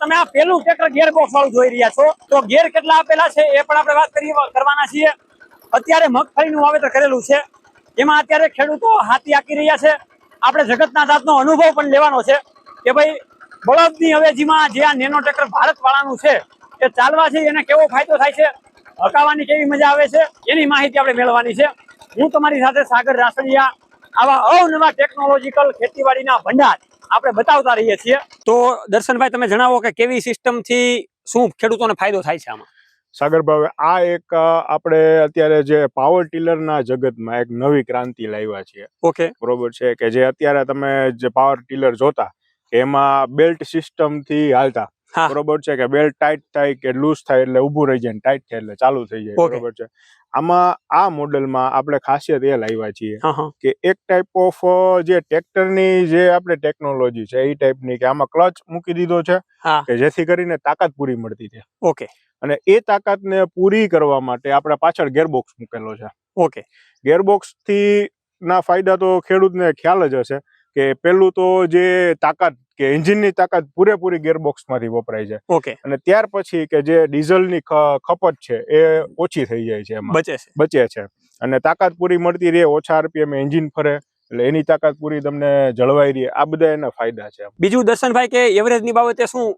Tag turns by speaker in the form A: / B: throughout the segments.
A: તમે આ પેલું ટ્રેક્ટર ગિયર બોક્સ વાળું જોઈ રહ્યા છો તો ગિયર કેટલા આપેલા છે એ પણ આપણે વાત કરવાના છીએ। અત્યારે મગફળીનું વાવેતર કરેલું છે, એમાં અત્યારે ખેડૂતો હાથી આંકી રહ્યા છે। આપણે જગતના તાતનો અનુભવ પણ લેવાનો છે કે ભાઈ બળદની અવેજીમાં જે આ નેનો ટ્રેક્ટર ભારત વાળાનું છે એ ચાલવાથી એને કેવો ફાયદો થાય છે, હકાવવાની કેવી મજા આવે છે, એની માહિતી આપણે મેળવવાની છે। હું તમારી સાથે સાગર રાસડિયા આવા અવનવા ટેકનોલોજીકલ ખેતીવાડીના ભંડાર આપણે બતાવતા રહીએ છીએ। તો દર્શનભાઈ તમે જણાવો કે કેવી સિસ્ટમથી શું ખેડૂતોને ફાયદો થાય છે આમાં?
B: સાગરભાઈ, આ એક આપણે અત્યારે જે પાવર ટીલરના જગતમાં એક નવી ક્રાંતિ લાવ્યા છીએ।
A: ઓકે,
B: બરોબર છે કે જે અત્યારે તમે જે પાવર ટીલર જોતા એમાં બેલ્ટ સિસ્ટમથી હાલતા, બરોબર છે કે બેલ્ટ ટાઈટ થાય કે લૂઝ થાય એટલે ઊભું રહી જાય, ટાઈટ થાય એટલે ચાલુ થઈ જાય, બરોબર છે। આમાં આ મોડેલમાં આપણે ખાસિયત એ લાવ્યા છીએ કે એક ટાઈપ ઓફ જે ટ્રેક્ટરની જે આપણે ટેકનોલોજી છે એ ટાઈપની કે આમાં ક્લચ મૂકી દીધો છે કે જેથી કરીને તાકાત પૂરી મળતી છે।
A: ઓકે,
B: અને એ તાકાતને પૂરી કરવા માટે આપણે પાછળ ગેરબોક્સ મૂકેલો છે।
A: ઓકે,
B: ગેરબોક્સ થી ના ફાયદા તો ખેડૂતને ખ્યાલ જ હશે કે પેલું તો જે તાકાત કે એન્જિનની તાકાત પૂરેપૂરી ગેરબોક્સમાંથી વપરાય છે।
A: ઓકે,
B: અને ત્યાર પછી કે જે ડીઝલની ખપત છે એ ઓછી થઈ જાય છે, એમાં બચે છે અને તાકાત પૂરી મળતી રહે, ઓછા આરપીએમ એન્જિન ફરે એટલે એની તાકાત પૂરી તમને જળવાઈ રહે। આ બધા એના ફાયદા છે।
A: બીજું દર્શનભાઈ કે એવરેજની બાબતે શું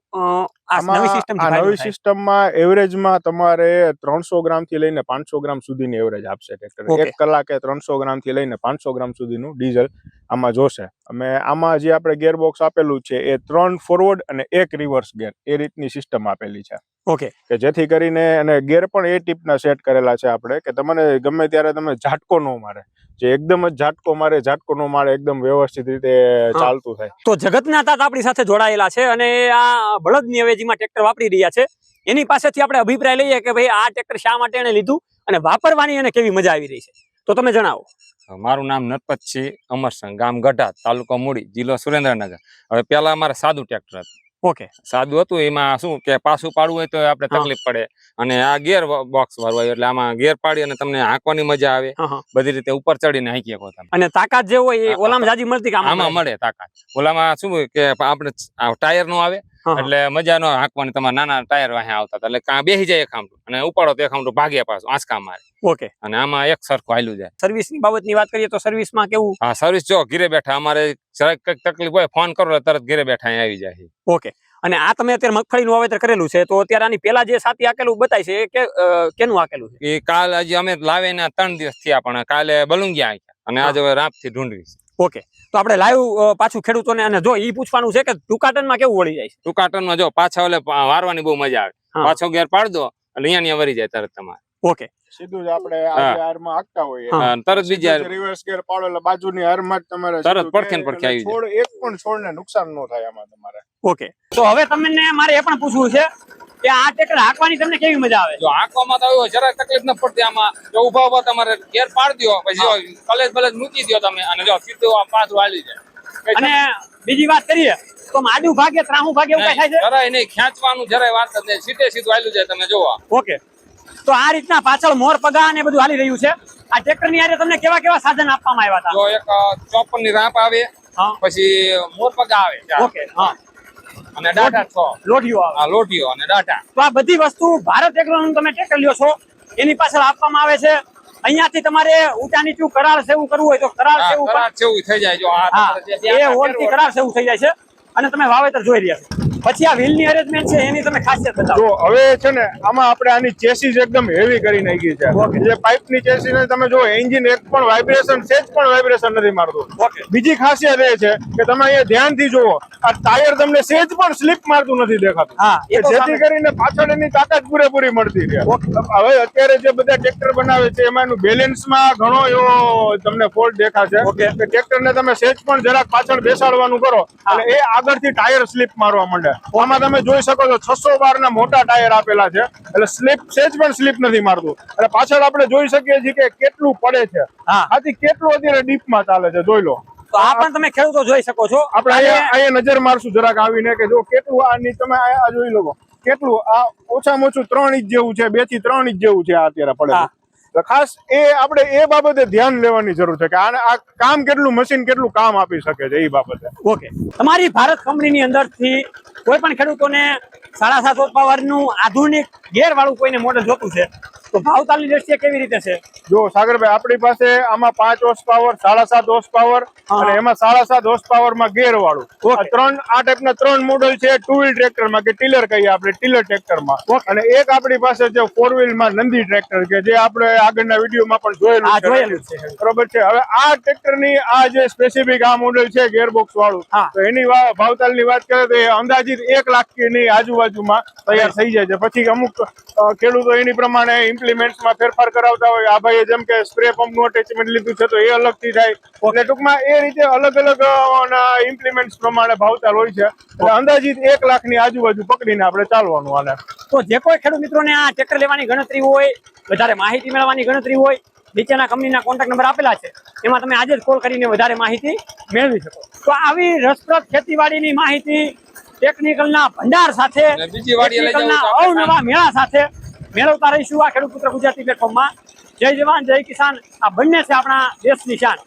B: નવી સિસ્ટમમાં એવરેજમાં તમારે 300 ગ્રામથી લઈને 500 ગ્રામ સુધીની એવરેજ આપશે ટ્રેક્ટર। એક કલાકે 300 ગ્રામથી લઈને 500 ગ્રામ સુધીનું ડીઝલ આમાં જોશે। અમે આમાં જે આપણે ગેરબોક્સ આપેલું છે એ 3 ફોરવર્ડ અને 1 રિવર્સ ગેર એ રીતની સિસ્ટમ આપેલી છે।
A: ઓકે,
B: કે જેથી કરીને અને ગેર પણ એ ટીપના સેટ કરેલા છે આપણે કે તમને ગમે ત્યારે તમને ઝાટકો ન મારે, જે એકદમ જ ઝાટકો ન મારે, એકદમ વ્યવસ્થિત રીતે ચાલતું થાય।
A: તો જગતના તાત આપણી સાથે જોડાયેલા છે અને આ બળદની અવેજીમાં ટ્રેક્ટર વાપરી રહ્યા છે, એની પાસેથી આપણે અભિપ્રાય લઈએ કે ભાઈ આ ટ્રેક્ટર શા માટે એને લીધું અને વાપરવાની એને કેવી મજા આવી રહી છે। તો તમે જણાવો।
C: મારું નામ નરપતસિંહ અમરસંગ, ગામ ગઢા, તાલુકો મૂડી, જિલ્લો સુરેન્દ્રનગર। હવે પેલા અમારે સાદું ટ્રેક્ટર હતું।
A: ઓકે,
C: સાદું હતું, એમાં શું કે પાછું પાડવું હોય તો આપણે તકલીફ પડે અને આ ગિયર બોક્સ વાળું આવ્યું એટલે આમાં ગિયર પાડી અને તમને હાંકવાની મજા આવે, બધી રીતે ઉપર ચડીને હાંકી શકો તમે।
A: અને તાકાત જે હોય એ ઓલામાં જાજી મળતી,
C: આમાં મળે તાકાત। ઓલામાં શું કે આપણે ટાયર નો આવે એટલે મજા નો હાંકવાની, તમારે નાના ટાયર વાહે આવતા એટલે કાં બેસી જાય એક આમટું અને ઉપાડો તો એક આમટું ભાગ્યા પાછું આંચકા મારે।
A: ઓકે,
C: અને આમાં એક સરખું હાલ્યું જાય।
A: સર્વિસની બાબતની વાત કરીએ તો સર્વિસમાં કેવું?
C: હા, સર્વિસ જો ઘરે બેઠા અમારે જરાક કઈક તકલીફ હોય ફોન કરો તરત ઘરે બેઠા આવી જાય।
A: ઓકે, અને આ તમે અત્યારે મગફળીનું વાવેતર કરેલું છે તો અત્યારે આની પેલા જે સાથી આકેલું બતાય છે કે કેનું આકેલું છે?
C: એ કાલ હજી અમે લાવીને 3 દિવસ થયા, પણ કાલે બલુંગિયા આક્યા અને આજે રાપથી ઢૂંઢવી।
A: ઓકે, તો આપણે લાઈવ પાછું ખેડૂતોને અને જો ઈ પૂછવાનું છે કે ટૂંકાટનમાં કેવું વળી જાય છે?
C: ટૂંકાટનમાં જો પાછા ઓલે વારવાની બહુ મજા આવે, પાછો ગેર પાડ દો એટલે અહીંયા વરી જાય તરત તમારે।
A: ઓકે,
B: સીધું જ આપણે આ હારમાં હાંકતા હોઈએ
C: તરત બીજા
B: રિવર્સ ગેર પાડો એટલે બાજુની હારમાં જ તમારે
C: તરત પડખે આવી
B: જાય, એક પણ છોડને નુકસાન ન થાય આમાં તમારે।
A: ઓકે, તો હવે તમને મારે એ પણ પૂછવું છે કે આ ટ્રેક્ટર હાંકવાની તમને કેવી મજા આવે?
C: જો હાંકવામાં તો જરાક તકલીફ ન પડતી, આમાં જો ઉભા તમારે ગેર પાડ દો પછી કલેજ બલેજ મૂકી દો તમે અને જો સીધું પાછું હાલી જાય।
A: અને બીજી વાત કરીએ તો આડું ભાગે ત્રાહું ભાગે એવું કઈ થાય છે?
C: જરાય નહીં, ખેંચવાનું જરાય વાત જ નહીં, સીધે સીધું હાલ્યું જાય તમે જોવા।
A: ઓકે, તો આ રીતના પાછળ મોર પગા ને બધું હાલી રહ્યું છે। આ ટ્રેક્ટર ની તમને કેવા કેવા સાધન આપવામાં આવ્યા હતા?
C: જો એક 54 ની રાપ આવે, પછી મોર પગા આવે, ઓકે, હા, અને ડાટા 6
A: લોઢીઓ આવે,
C: હા લોઢીઓ અને ડાટા।
A: તો આ બધી વસ્તુ ભારત એગ્રોનું તમે ટ્રેક્ટર લ્યો છો એની પાછળ આપવામાં આવે છે। અહીંયાથી તમારે ઊંચા નીચું કરાર સેવું કરવું હોય તો કરાર સેવું
C: થઈ જાય। જો
A: એ હોલથી કરાર સેવું થઈ જાય છે અને તમે વાવેતર જોઈ રહ્યા છો। પછી આ વ્હીલની અરેન્જમેન્ટ છે એની તમે ખાસિયત બતાવો।
B: જો હવે છે ને આમાં આપણે આની ચેસીસ એકદમ હેવી કરી નાખી છે। જે પાઇપની ચેસીસ ને તમે જો એન્જિન એક પણ વાઇબ્રેશન, સેજ પણ વાઇબ્રેશન નથી મારતું। બીજી ખાસિયત એ છે કે તમે અહીંયા ધ્યાનથી જુઓ, આ ટાયર તમને સેજ પણ સ્લીપ મારતું નથી દેખાતું, જેથી કરીને પાછળ એની તાકાત પૂરેપૂરી મળતી રહે। હવે અત્યારે જે બધા ટ્રેક્ટર બનાવે છે એમાં એનું બેલેન્સમાં ઘણો એવો તમને ફોલ્ટ દેખાશે કે ટ્રેક્ટરને તમે સેજ પણ જરાક પાછળ બેસાડવાનું કરો અને એ આગળથી ટાયર સ્લીપ મારવા માંડે। આમાં તમે જોઈ શકો છો 612 ના મોટા ટાયર આપેલા છે એટલે સ્લીપ સેજ પણ સ્લીપ નથી મારતું। અને પાછળ આપણે જોઈ શકીએ છીએ કે કેટલું પડે છે, આથી કેટલું અત્યારે ડીપમાં ચાલે છે, જોઈ લો।
A: તો આ પણ તમે ખેડૂતો જોઈ શકો છો।
B: આપણે અહીંયા નજર મારશું જરાક આવીને કે જો કેટલું આની તમે આ જોઈ લો કેટલું, આ ઓછામાં ઓછું 3 ઇંચ જેવું છે, 2 થી 3 ઇંચ જેવું છે આ અત્યારે પડે। તો ખાસ એ આપણે એ બાબતે ધ્યાન લેવાની જરૂર છે કે આ કામ કેટલું, મશીન કેટલું કામ આપી શકે છે એ બાબતે।
A: ઓકે, તમારી ભારત કંપનીની અંદરથી કોઈ પણ ખેડૂતોને 7.5 હોર્સ પાવર નું આધુનિક ગેર વાળું કોઈને મોડેલ જોતું છે તો ભાવતાલની દ્રષ્ટિએ કેવી રીતે છે?
B: જો સાગરભાઈ આપણી પાસે આમાં 5 હોર્સ પાવર 7.5 હોર્સ પાવર અને એમાં 7.5 હોર્સ પાવર માં ગેર વાળું આ ટાઈપના 3 મોડલ છે. 2 વ્હીલ ટ્રેક્ટર માં કે ટીલર કહીએ આપણે, ટીલર ટ્રેક્ટર માં. અને એક આપણી પાસે છે 4 વ્હીલ માં નંદી ટ્રેક્ટર કે જે આપણે આગળના વિડીયોમાં પણ જોયેલું છે. બરોબર છે. હવે આ ટ્રેક્ટર ની આ જે સ્પેસિફિક આ મોડેલ છે ગેરબોક્સ વાળું, તો એની ભાવતાલની વાત કરીએ તો એ અંદાજિત 1 લાખ ની આજુબાજુમાં તૈયાર થઈ જાય છે. પછી અમુક ખેડૂતો એની પ્રમાણે ઇમ્પ્લિમેન્ટ્સમાં ફેરફાર કરાવતા હોય. આ ભાઈએ જેમ કે સ્પ્રે પંપનું અટેચમેન્ટ લીધું છે તો એ અલગથી થાય. એટલે ટૂંકમાં એ રીતે અલગ અલગ ઇમ્પ્લિમેન્ટ્સ પ્રમાણે ભાવતાલ હોય છે. એટલે અંદાજિત 1 લાખ ની આજુબાજુ પકડીને આપણે ચાલવાનું આને.
A: તો જે કોઈ ખેડૂત મિત્રોને આ ટ્રેક્ટર લેવાની ગણતરી હોય, વધારે માહિતી મેળવવાની ગણતરી હોય, નીચેના કંપનીના કોન્ટેક્ટ નંબર આપેલા છે, એમાં તમે આજે જ કોલ કરીને વધારે માહિતી મેળવી શકો. તો આવી રસપ્રદ ખેતીવાડીની માહિતી ટેકનિકલના ભંડાર સાથે, ટેકનિકલના અવનવા મેળા સાથે મેળવતા રહીશું આ ખેડૂત પુત્ર ગુજરાતી પ્લેટફોર્મમાં. જય જવાન જય કિસાન, આ બંને છે આપણા દેશની શાન.